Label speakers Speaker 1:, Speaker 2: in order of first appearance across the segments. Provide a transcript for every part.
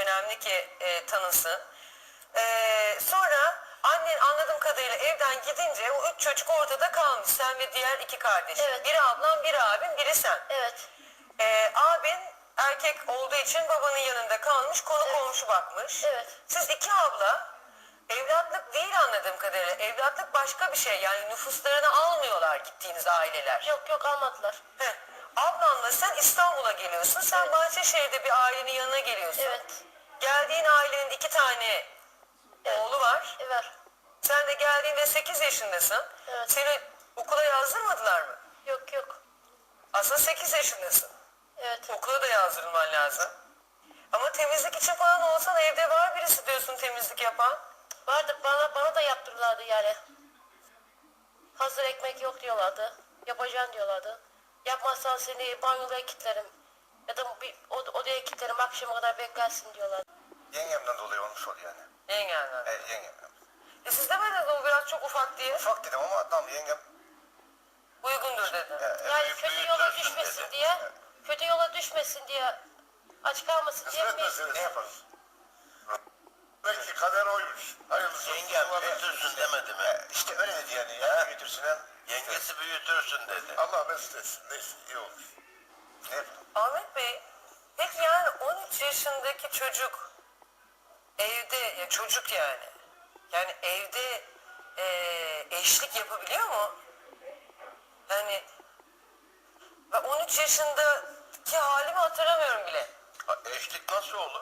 Speaker 1: önemli ki tanısın. Sonra annen anladığım kadarıyla evden gidince o 3 çocuk ortada kalmış. Sen ve diğer 2 kardeşin.
Speaker 2: Evet.
Speaker 1: Biri ablan, biri abin, biri sen.
Speaker 2: Evet.
Speaker 1: Abin erkek olduğu için babanın yanında kalmış, konu komşu bakmış.
Speaker 2: Evet.
Speaker 1: Siz 2 abla evlatlık değil anladığım kadarıyla. Evlatlık başka bir şey. Yani nüfuslarını almıyorlar gittiğiniz aileler.
Speaker 2: Yok almadılar.
Speaker 1: Heh. Ablanla sen İstanbul'a geliyorsun. Sen Bahçeşehir'de bir ailenin yanına geliyorsun.
Speaker 2: Evet.
Speaker 1: Geldiğin ailenin 2 tane oğlu var.
Speaker 2: Evet.
Speaker 1: Sen de geldiğinde 8 yaşındasın.
Speaker 2: Evet.
Speaker 1: Seni okula yazdırmadılar mı?
Speaker 2: Yok.
Speaker 1: Aslında 8 yaşındasın.
Speaker 2: Evet.
Speaker 1: Okula da yazdırılman lazım. Ama temizlik için falan olsan evde var birisi diyorsun temizlik yapan.
Speaker 2: Vardı bana da yaptırırlardı yani. Hazır ekmek yok diyorlardı. Yapacaksın diyorlardı. Yapmazsan seni banyoya kilitlerim. Ya da bir odaya kilitlerim, akşama kadar beklersin diyorlar.
Speaker 3: Yengemden dolayı olmuş oluyor yani.
Speaker 1: Yengenler.
Speaker 3: Evet, yengemden.
Speaker 1: Siz demediniz o biraz çok ufak diye.
Speaker 3: Ufak dedim ama adam yengem
Speaker 1: Uygundur dedi.
Speaker 2: Yani kötü yola düşmesin
Speaker 3: dedi.
Speaker 2: diye, kötü yola düşmesin diye, aç kalmasın diye
Speaker 4: Kısmet
Speaker 2: mi?
Speaker 4: meselesi yaparız. Belki kader oymuş. Hayırlısı.
Speaker 5: Yengem büyütürsün demedi mi?
Speaker 3: işte öyle dedi yani. Ya büyütürsün hem.
Speaker 5: Yengesi büyütürsün dedi.
Speaker 4: Allah mesut etsin. Neyse iyi olur.
Speaker 3: Ne yapalım?
Speaker 1: Ahmet Bey, peki yani 13 yaşındaki çocuk evde, ya çocuk yani. Yani evde eşlik yapabiliyor mu? Yani ben 13 yaşındaki halimi hatırlamıyorum bile.
Speaker 5: Ha, eşlik nasıl olur?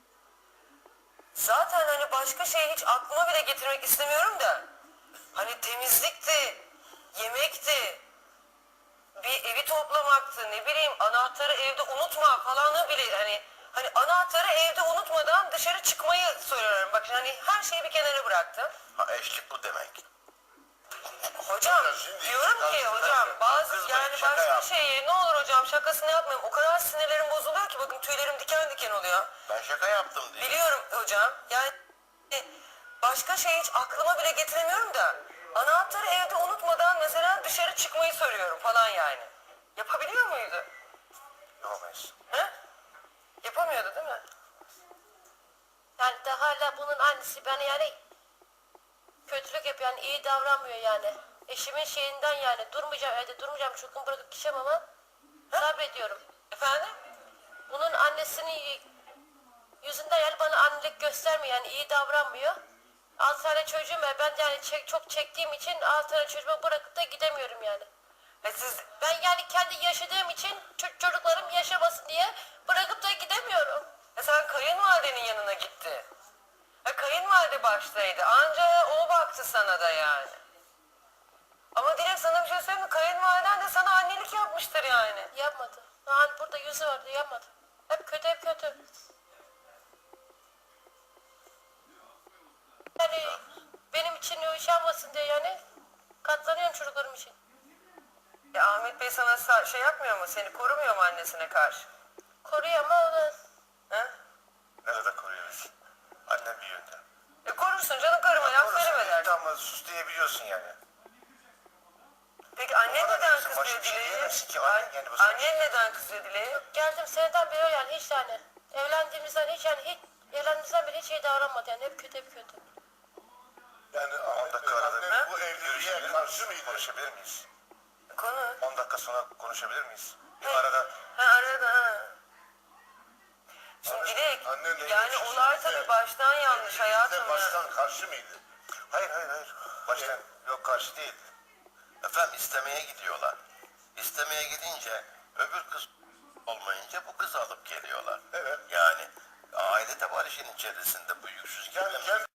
Speaker 1: Zaten hani başka şeyi hiç aklıma bile getirmek istemiyorum da. Hani temizlikti, yemekti, bir evi toplamaktı, ne bileyim anahtarı evde unutma falanı bile hani anahtarı evde unutmadan dışarı çıkmayı soruyorum. Bakın hani her şeyi bir kenara bıraktım.
Speaker 5: Ha, eşlik bu demek.
Speaker 1: Hocam
Speaker 4: Şimdi
Speaker 1: diyorum ki
Speaker 4: kızmayın,
Speaker 1: hocam bazı
Speaker 5: kızmayın,
Speaker 1: yani
Speaker 5: şaka
Speaker 1: başka
Speaker 5: yap.
Speaker 1: şeyi ne olur hocam şakasını yapmayayım. O kadar sinirlerim bozuluyor ki bakın tüylerim diken diken oluyor.
Speaker 5: Ben şaka yaptım diye.
Speaker 1: Biliyorum hocam. Yani başka şey hiç aklıma bile getiremiyorum da anahtarı evde unutmadan mesela dışarı çıkmayı soruyorum falan yani. Yapabiliyor muydu?
Speaker 3: Yapamayız.
Speaker 1: He? Yapamıyordu değil mi?
Speaker 2: Yani de hala bunun annesi bana yani kötülük yapıyor, yani iyi davranmıyor yani. Eşimin şeyinden yani durmayacağım, evde durmayacağım, çocuğumu bırakıp gideceğim ama sabrediyorum.
Speaker 1: Efendim?
Speaker 2: Bunun annesinin yüzünden yani bana annelik göstermiyor, yani iyi davranmıyor. 6 tane çocuğum var, ben de yani çok çektiğim için 6 tane çocuğumu bırakıp da gidemiyorum yani.
Speaker 1: Siz
Speaker 2: Ben yani kendi yaşadığım için çocuklarım yaşamasın diye bırakıp da gidemiyorum.
Speaker 1: sen kayınvalidenin yanına gitti. Kayınvalide baştaydı. Anca o baktı sana da yani. Ama Dilek sana bir şey söyleyeyim mi? Kayınvaliden de sana annelik yapmıştır yani.
Speaker 2: Yapmadı. Yani burada yüzü vardı, yapmadı. Hep kötü. Yani benim için yaşanmasın diye yani katlanıyorum çocuklarım için.
Speaker 1: Ahmet Bey sana şey yapmıyor mu? Seni korumuyor mu annesine karşı?
Speaker 2: Koruyor ama o da
Speaker 1: He?
Speaker 3: Nerede koruyoruz? Annem bir yönde.
Speaker 1: Korursun canım karıma laf söyleme dersin.
Speaker 3: Ama sus diyebiliyorsun yani.
Speaker 1: Peki annen
Speaker 3: Bana
Speaker 1: neden
Speaker 3: diyorsun,
Speaker 1: kızıyor
Speaker 3: başka bir şey
Speaker 1: Dilek'e?
Speaker 3: diyemezsin ki, annen yani bu sana-
Speaker 1: Annen neden kızıyor Dilek'e?
Speaker 2: geldim seneden beri yani hiç yani evlendiğimizden beri hiç iyi davranmadı yani hep kötü.
Speaker 4: Yani
Speaker 3: 10 dakika arada
Speaker 4: anne bu evliliğe karşı mıydı?
Speaker 3: konuşabilir miyiz?
Speaker 1: Konu.
Speaker 3: 10 dakika sonra konuşabilir miyiz? Bir arada
Speaker 1: Arada. Şimdi Dilek,
Speaker 4: Annenle
Speaker 1: yani
Speaker 4: evlisin,
Speaker 1: olay
Speaker 4: siz de-
Speaker 1: tabii baştan yanlış hayatım ya.
Speaker 4: Baştan karşı mıydı?
Speaker 3: hayır. Baştan yok karşı değil.
Speaker 5: Efendim istemeye gidiyorlar. İstemeye gidince öbür kız olmayınca bu kızı alıp geliyorlar.
Speaker 4: Evet.
Speaker 5: Yani aile de var işin içerisinde bu yüksüz
Speaker 4: Yani
Speaker 5: gibi.
Speaker 4: kendi